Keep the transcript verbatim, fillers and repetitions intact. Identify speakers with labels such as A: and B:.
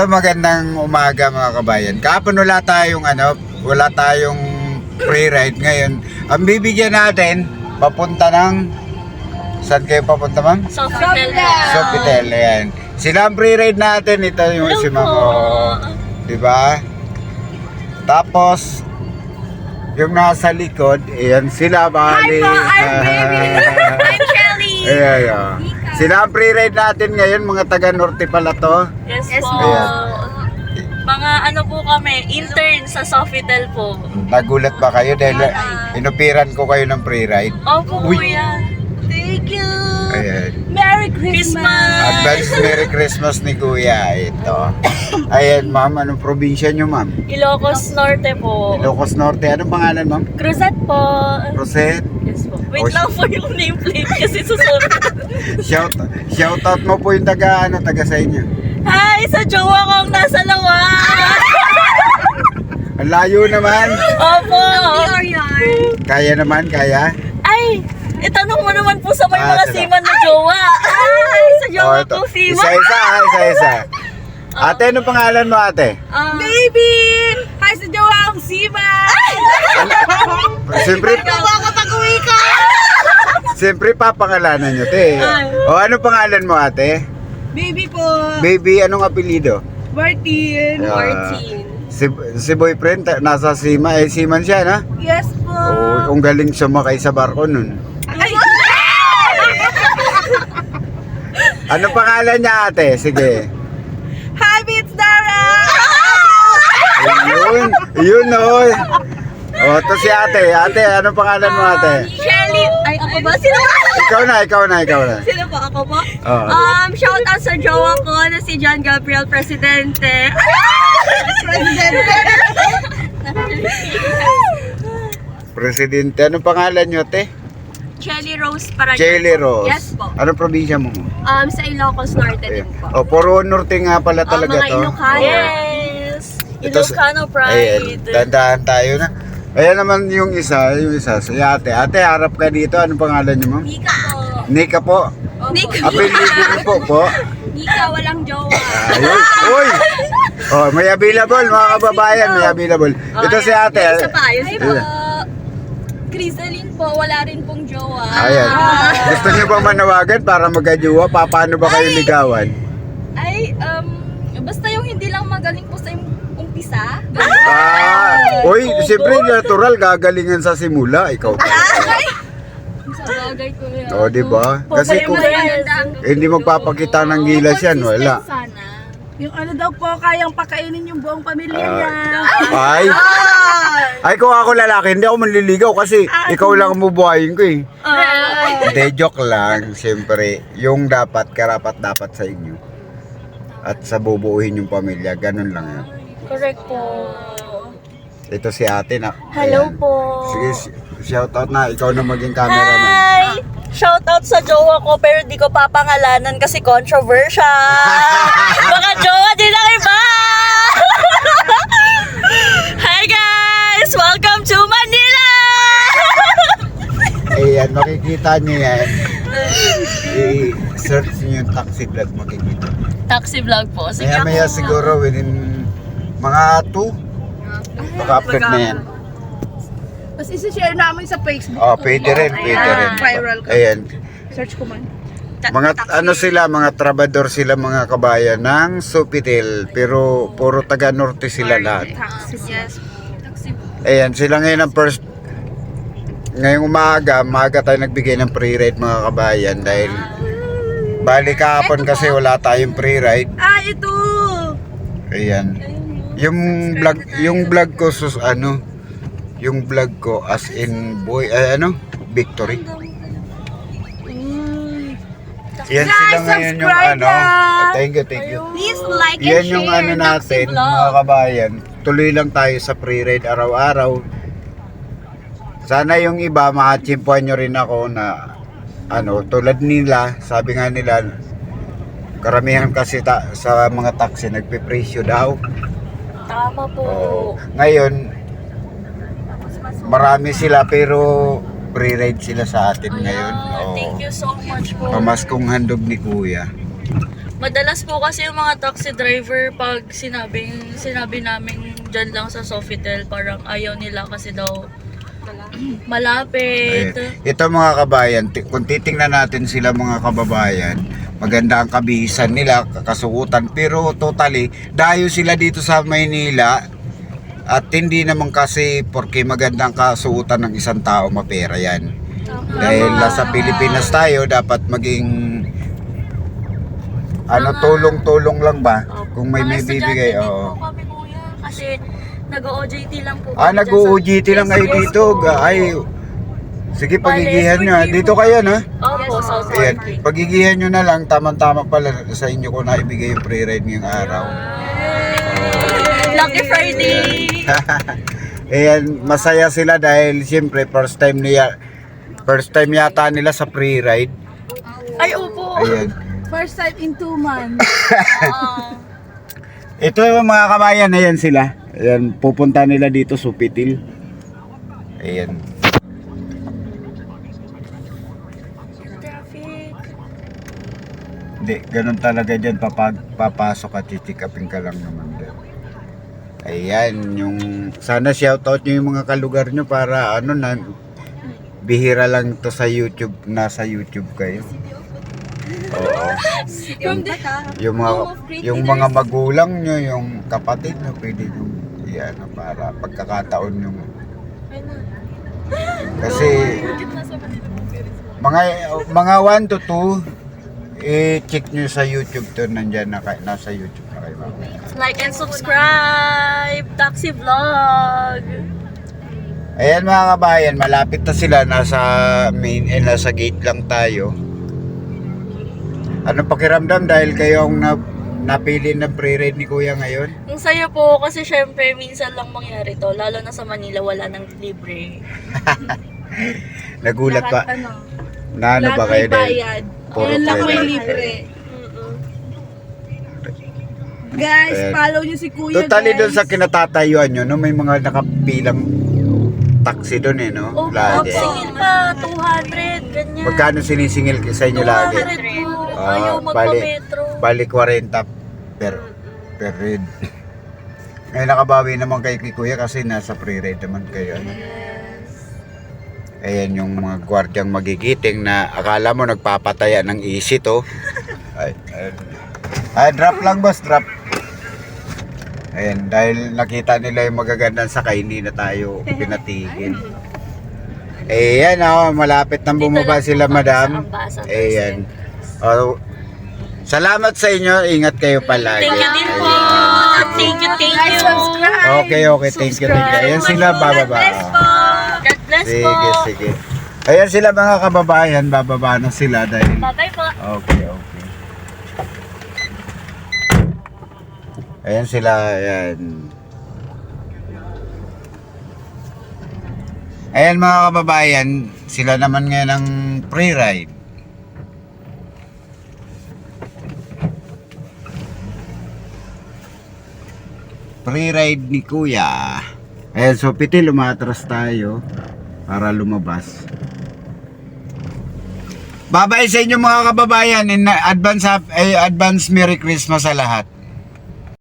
A: So magandang umaga mga kabayan. Kahapon wala tayong ano, wala tayong free ride ngayon. Ang bibigyan natin papunta ng saan kayo papunta, ma'am?
B: Sofitel.
A: Sofitel, ayan. Sila ang free ride natin, ito yung si ma'am. Oh, di ba? Tapos yung nasa likod, ayan sila bali.
B: Hi po, I'm baby. I'm Shelly.
A: Ayan, ayan. Sila ang free ride natin ngayon, mga taga Norte pala to.
B: Yes,
C: Yes
B: po.
C: po.
A: Ayan.
B: Mga ano po kami, intern sa Sofitel po.
A: Nagulat ba kayo dahil inupiran ko kayo ng free ride?
B: Opo,
A: Uy.
B: kuya.
C: Thank you!
A: Ayan.
C: Merry Christmas!
B: Christmas!
A: Advance Merry Christmas ni Kuya. Ito. Ayan, ma'am. Anong probinsya nyo, ma'am?
B: Ilocos Norte po.
A: Ilocos Norte. Anong pangalan, ma'am?
B: Cruzat po.
A: Rosette.
B: Yes po. Wait
A: Oh,
B: lang po yung nameplate kasi susunod.
A: Shout, shout out mo po yung taga, ano, taga sa inyo.
B: Hi! Sa jowa kong nasa lawa!
A: Ang layo naman.
B: Opo!
A: Kaya naman, kaya.
B: Ay! Itanong mo naman po sa may
A: Ah,
B: mga
A: sila.
B: seaman na jowa. Ay! Sa jowa
A: Oh, ito.
B: ko, seaman.
A: Isa-isa, ah, isa-isa. Ate, anong pangalan mo, ate?
C: Baby! Hi sa jawang Siba!
A: Siyempre,
C: Makakapag-uwi ka!
A: siyempre papangalanan nyo, te. O, anong pangalan mo, ate?
C: Baby po!
A: Baby, anong apelido?
C: Martin!
A: Ah, Si, si boyfriend, ta- nasa Sima, eh, Siman siya, na?
C: Yes po!
A: Oo, ang galing sumakay sa barko nun.
C: Ay!
A: Ano pangalan niya, ate? Sige.
C: Hi, Bits Dara!
A: Ayun, yun, oy. O, to si ate. Ate, ano pangalan mo, ate?
B: Shelly! Ay, ako ba? Sino ba?
A: Ikaw na, ikaw na, ikaw na.
B: Sino po? Ako po?
A: Oo.
B: Um, shout out sa jowa ko na si John Gabriel Presidente.
A: Presidente, ano pangalan niyo, ate?
B: Shelly Rose Paragon.
A: Jelly Rose.
B: Yes po.
A: Ano probinsya mo?
B: Um, sa Ilocos Norte din po.
A: O, puro norte nga pala talaga
B: mga
A: to.
B: Ilocano.
A: Oo.
B: Yes!
A: Ito sa-
B: Ilocano
A: Ayan,
B: pride.
A: dandahan tayo na. Ayan naman yung isa, yung isa. Si ate. Ate, harap ka dito. Anong pangalan niyo, ma'am?
B: Nika po.
A: Nika po.
B: Nika.
A: Apelido niyo po po.
B: Nika, walang jowa.
A: Ayun. Uy! Oh, may available mga kababayan, may available. Ito si ate.
B: May isa pa, yung si
A: Ayan.
B: Crisaline po, wala rin pong jowa.
A: Ayan. Gusto niyo ba manawagan para magkajuwa? Pa, paano ba kayo ligawan?
B: Ay, um, basta yung hindi lang magaling po sa yung umpisa.
A: Ah! Uy, siyempre natural, gagalingan sa simula. Ikaw pa.
B: Sa bagay ko yan.
A: Oo, di ba? Kasi kung hindi magpapakita ng gilas yan, wala.
B: Sana.
C: Yung ano daw po, kayang pakainin yung buong pamilya
A: Ah.
C: niya.
A: Ay! Ay, kung ako lalaki, hindi ako manliligaw kasi ikaw lang ang bubuhayin ko eh. Hindi, joke lang. Siyempre, yung dapat, karapat dapat sa inyo. At sa bubuuhin yung pamilya, ganun lang yan.
B: Correct po.
A: Ito si ate na.
B: Hello
A: ayan.
B: po.
A: Sige, shout out na. Ikaw na maging cameraman.
B: Hi! Shout out sa jowa ko pero di ko papangalanan kasi controversial. Baka jowa din ang iba! Hi guys! Welcome to Manila!
A: Ayan, makikita niyo yan. I-search niyo yung taxi vlog, makikita.
B: Taxi vlog po. Sige
A: Maya maya
B: ako.
A: siguro within mga two, baka-upload na yan.
C: Tapos isi-share namin sa Facebook.
A: Oh, pwede rin, pwede rin.
C: Viral ka.
A: Ayan.
C: Search ko man.
A: Mga ano sila, mga trabador sila mga kabayan ng Sofitel, pero puro taga norte sila lahat.
B: Yes. Taxi po.
A: Ayan, sila ngayon ang first ngayong umaga, umaga tayo nagbigay ng free ride mga kabayan dahil bali kahapon kasi wala tayong free ride.
C: Ah, ito!
A: Ayan. Yung vlog, yung vlog ko sus ano, yung vlog ko as in boy, ay, ano, victory. Yan
C: Guys,
A: sila ngayon yung
C: subscribe
A: ano.
C: na!
A: Thank you, thank you.
B: Please like and
A: Yan
B: share.
A: yung ano natin, mga kabayan. Tuloy lang tayo sa free ride araw-araw. Sana yung iba, makachimpuan nyo rin ako na ano, tulad nila, sabi nga nila, karamihan kasi ta- sa mga taxi, nagpipresyo daw.
B: Tama po.
A: Oo. Ngayon, marami sila pero free ride sila sa atin ngayon.
B: Ayan,
A: Oo.
B: thank you so much po.
A: Pamaskong handog ni Kuya.
B: Madalas po kasi yung mga taxi driver pag sinabing, sinabi namin dyan lang sa Sofitel, parang ayaw nila kasi daw malapit.
A: Ayan. Ito mga kabayan, ti- kung titingnan natin sila mga kababayan, maganda ang kabihisan nila, kasukutan, pero totally, dayo sila dito sa Maynila at hindi naman kasi porque magandang kasuotan ng isang tao mapera yan. Dahil nasa Pilipinas tayo, dapat maging ano, tulong-tulong lang ba?
B: Opo.
A: Kung may
B: Mga
A: may
B: estudyante
A: bibigay,
B: din
A: oo.
B: po kami kuya, kasi nag-O J T lang po.
A: Ah,
B: kami dyan
A: nag-O J T
B: sa-
A: lang kayo
B: Yes,
A: dito.
B: yes po.
A: Ga- Ay, sige, pagigihan nyo. ah. Dito kayo, na?
B: Opo, South
A: Ayan,
B: Park.
A: pagigihan nyo na lang, tamang-tama pala sa inyo ko na ibigay yung free ride ngayong araw.
B: Lucky Friday!
A: Ayan, masaya sila dahil siyempre first time niya, first time yata nila sa free ride.
B: Ay, opo!
A: Ayan.
C: First time in two months.
B: Ah.
A: Ito yung mga kabayan, ayan sila. Ayan, pupunta nila dito, Supitil. Ayan.
B: Traffic.
A: Hindi, ganun talaga dyan. Papag, papasok at chichikapin ka lang naman dyan. Ayan, yung... Sana shoutout nyo yung mga kalugar nyo para ano na... Bihira lang to sa YouTube. Nasa YouTube kayo. Oo.
C: From the
A: Yung mga, yung mga magulang nyo, yung kapatid nyo, pwede nyo... Yan, para pagkakataon yung... Kasi... Mga mga one to two, i-check nyo sa YouTube to, nandyan na kayo, nasa YouTube na kayo mamaya.
B: Like and subscribe! Taxi Vlog!
A: Ayan mga kabayan, malapit na sila, nasa main, eh, nasa gate lang tayo. Ano pakiramdam dahil kayo ang na, napili ng pre-ride ni Kuya ngayon?
B: Ang saya po kasi syempre minsan lang mangyari to, lalo na sa Manila wala nang libre.
A: Nagulat pa.
C: lahat, ano,
A: Na ano
C: lahat
A: ba
C: may
A: kayo dahil?
C: bayad.
A: Puro
C: Ayan lang
A: pera.
C: may libre.
B: Mm-mm.
C: Guys,
A: Ayan.
C: follow nyo si Kuya,
A: Totally
C: guys.
A: doon sa kinatatayuan nyo, no? May mga nakapilang taxi doon eh, no?
B: Oh,
A: Lagi.
B: singil pa, two hundred, ganyan.
A: Magkano sinisingil sa inyo lagi?
B: two hundred po,
A: Ah,
B: ayaw
A: bali,
B: magpa-metro.
A: bali forty per per ride. Ngayon nakabawi naman kay Kuya kasi nasa free ride naman kayo. Ano? Ayan yung mga gwardyang magigiting na akala mo nagpapataya ng easy to. Ay, ay, ay, drop lang boss, drop. Ayan, dahil nakita nila yung magagandang sakay, hindi na tayo pinatigil. Ayan, oh, malapit nang
B: Dito
A: bumaba
B: lang po
A: sila,
B: kami
A: madam.
B: sa Ambassador
A: Ayan. Oh, salamat sa inyo. Ingat kayo palagi.
B: Thank you din po.
A: Ayan.
B: Thank you, thank
C: Guys,
B: you.
C: subscribe.
A: Okay, okay. Thank you, thank you. Ayan sila, bababa.
B: God bless po. God bless po.
A: Sige, sige. Ayan sila mga kababayan, bababa na sila dahil...
B: Bye-bye po.
A: Okay, okay. Ayan sila, ayan. Ayan mga kababayan, sila naman ngayon ang pre-ride. Pre-ride ni Kuya. Ayan, so Pitil, umatras tayo para lumabas. Babay sa inyo mga kababayan, in advance, hap- eh, advance Merry Christmas sa lahat.